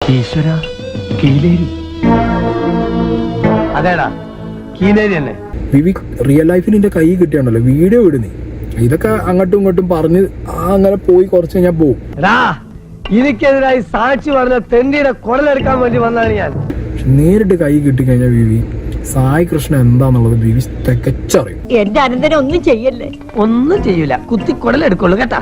ഈശ്വര, കീലേരി. അതേടാ, കീലേരി തന്നെ. വിവിക് റിയൽ ലൈഫിൽ നിന്റെ കൈ കിട്ടിയാണല്ലോ വീഡിയോ ഇടുന്നേ. ഇതൊക്കെ അങ്ങോട്ടും ഇങ്ങോട്ടും പറഞ്ഞ് അങ്ങനെ പോയി കുറച്ച് കഴിഞ്ഞാൽ പോവും. എനിക്കെതിരായി സാക്ഷി പറഞ്ഞ തെണ്ടിയുടെ കുടലെടുക്കാൻ വേണ്ടി വന്നാണ് ഞാൻ. നേരിട്ട് കൈ കിട്ടിക്കഴിഞ്ഞാൽ വിവി സായി കൃഷ്ണ എന്താന്നുള്ളത് വിവി തികച്ചറിയും. എന്റെ അനന്തരം ഒന്നും ചെയ്യല്ലേ. ഒന്നും ചെയ്യൂല, കുത്തി കുടലെടുക്കുള്ളൂ കേട്ടാ.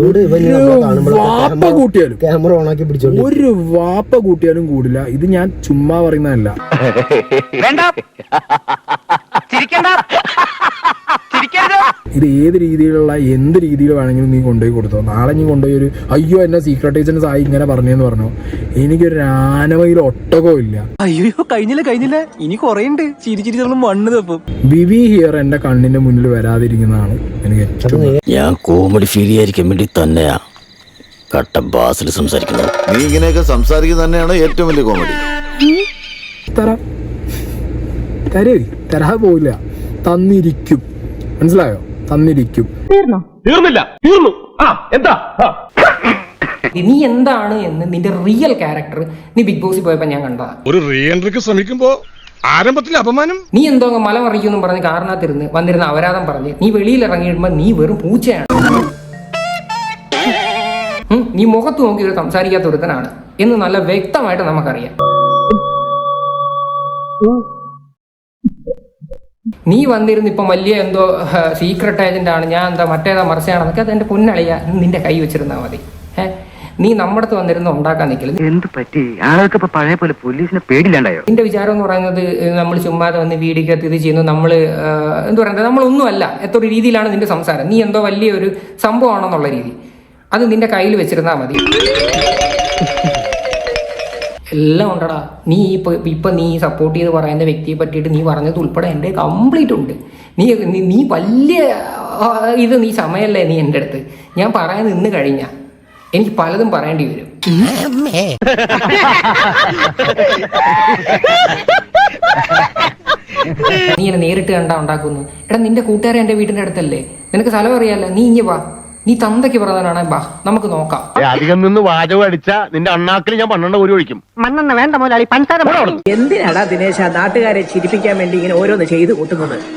വാപ്പ കൂട്ടിയാലും ക്യാമറ ഓണാക്കി പിടിച്ചോളൂ. ഒരു വാപ്പ കൂട്ടിയാലും കൂടില്ല. ഇത് ഞാൻ ചുമ്മാ പറയുന്നതല്ല. ഇത് ഏത് രീതിയിലുള്ള എന്ത് രീതിയിൽ വേണമെങ്കിലും നീ കൊണ്ടുപോയി കൊടുത്തോ. നാളെ നീ കൊണ്ടുപോയി ഒരു അയ്യോ എന്നെ സീക്രട്ട് ഏജന്റ് സായി ഇങ്ങനെ പറഞ്ഞെന്ന് പറഞ്ഞു, എനിക്കൊരു ആനമയിൽ ഒട്ടകവും ഇല്ല. അയ്യോ കഴിഞ്ഞില്ല ഇനി കൊറേ ഉണ്ട്. ചിരി മണ്ണ് തപ്പും. വിവി ഹിയർ എന്റെ കണ്ണിന്റെ മുന്നിൽ വരാതിരിക്കുന്നതാണ് എനിക്ക് ഏറ്റവും. ഞാൻ കോമഡി ഫീൽ ചെയ്യാതിരിക്കാൻ വേണ്ടി തന്നെയാ കട്ട ബാസിൽ സംസാരിക്കുന്നത്. നീ ഇങ്ങനെയൊക്കെ സംസാരിക്കുന്നത് തന്നെയാണ് ഏറ്റവും വലിയ കോമഡി. തരാ പോയില്ല, തന്നിരിക്കും. മനസ്സിലായോ? തന്നിരിക്കും. തീർന്നു. എന്താ നീ എന്താണ് എന്ന് നിന്റെ റിയൽ ക്യാരക്ടർ നീ ബിഗ് ബോസിൽ പോയപ്പോ ഞാൻ കണ്ടതാ. ഒരു റീ എൻട്രിക്ക് ശ്രമിക്കുമ്പോ ആരംഭത്തിൽ അപമാനം. നീ എന്തോ മല മറിക്കുമെന്നും പറഞ്ഞ് കാരണത്തിരുന്ന് വന്നിരുന്ന അപരാധം പറഞ്ഞ് നീ വെളിയിൽ ഇറങ്ങിയിടുമ്പോ നീ വെറും പൂച്ചയാണ്. നീ മുഖത്ത് നോക്കി സംസാരിക്കാത്ത ഒരുത്തനാണ് എന്ന് നല്ല വ്യക്തമായിട്ട് നമുക്കറിയാം. നീ വന്നിരുന്ന് ഇപ്പം വലിയ എന്തോ സീക്രട്ട് ഏജന്റ് ആണ്, ഞാൻ എന്താ മറ്റേതാ മറിച്ചാണെന്നൊക്കെ അതെന്റെ പൊന്നളിയ നിന്റെ കൈ വെച്ചിരുന്നാൽ മതി. നീ നമ്മുടെ അടുത്ത് വന്നിരുന്ന് ഉണ്ടാക്കാൻ നിൽക്കില്ല. എന്ത് പറ്റി? ആൾക്ക് ഇപ്പൊ പഴയ പോലെ പോലീസിനെ പേടില്ലാണ്ടായോ? നിന്റെ വിചാരം എന്ന് പറയുന്നത് നമ്മൾ ചുമ്മാതെ വന്ന് വീടിക്കകത്ത് ഇത് ചെയ്യുന്നു, നമ്മള് എന്താ പറയുന്നത്, നമ്മളൊന്നുമല്ല. എത്ര രീതിയിലാണ് നിന്റെ സംസാരം, നീ എന്തോ വലിയൊരു സംഭവമാണെന്നുള്ള രീതി. അത് നിന്റെ കയ്യിൽ വെച്ചിരുന്നാൽ മതി. എല്ലാം ഉണ്ടടാ. നീ ഇപ്പൊ നീ സപ്പോർട്ട് ചെയ്ത് പറയുന്ന വ്യക്തിയെ പറ്റിയിട്ട് നീ പറഞ്ഞത് ഉൾപ്പെടെ എൻ്റെ കംപ്ലീറ്റ് ഉണ്ട്. നീ വലിയ ഇത് നീ സമയമല്ലേ നീ എൻ്റെ അടുത്ത്. ഞാൻ പറയാൻ നിന്ന് കഴിഞ്ഞാൽ എനിക്ക് പലതും പറയേണ്ടി വരും. നീ എന്നെ നേരിട്ട് കണ്ടാ ഉണ്ടാക്കുന്നു. എടാ നിന്റെ കൂട്ടുകാരെ എൻ്റെ വീടിന്റെ അടുത്തല്ലേ, നിനക്ക് സ്ഥലം അറിയാല്ല. നീ ഇഞ്ഞ് വാ, നീ തന്തയ്ക്ക് പറഞ്ഞവനാണ്, ബാ നമുക്ക് നോക്കാം. അധികം നിന്ന് വാചകം അടിച്ച നിന്റെ അണ്ണാക്കിൽ ഞാൻ 12 ഒരു ഒഴിക്കും. മണ്ണെണ്ണ വേണ്ട മുതലാളി, പഞ്ചസാര. എന്തിനാടാ ദിനേശ നാട്ടുകാരെ ചിരിപ്പിക്കാൻ വേണ്ടി ഇങ്ങനെ ഓരോന്ന് ചെയ്തു കൂട്ടുന്നത്?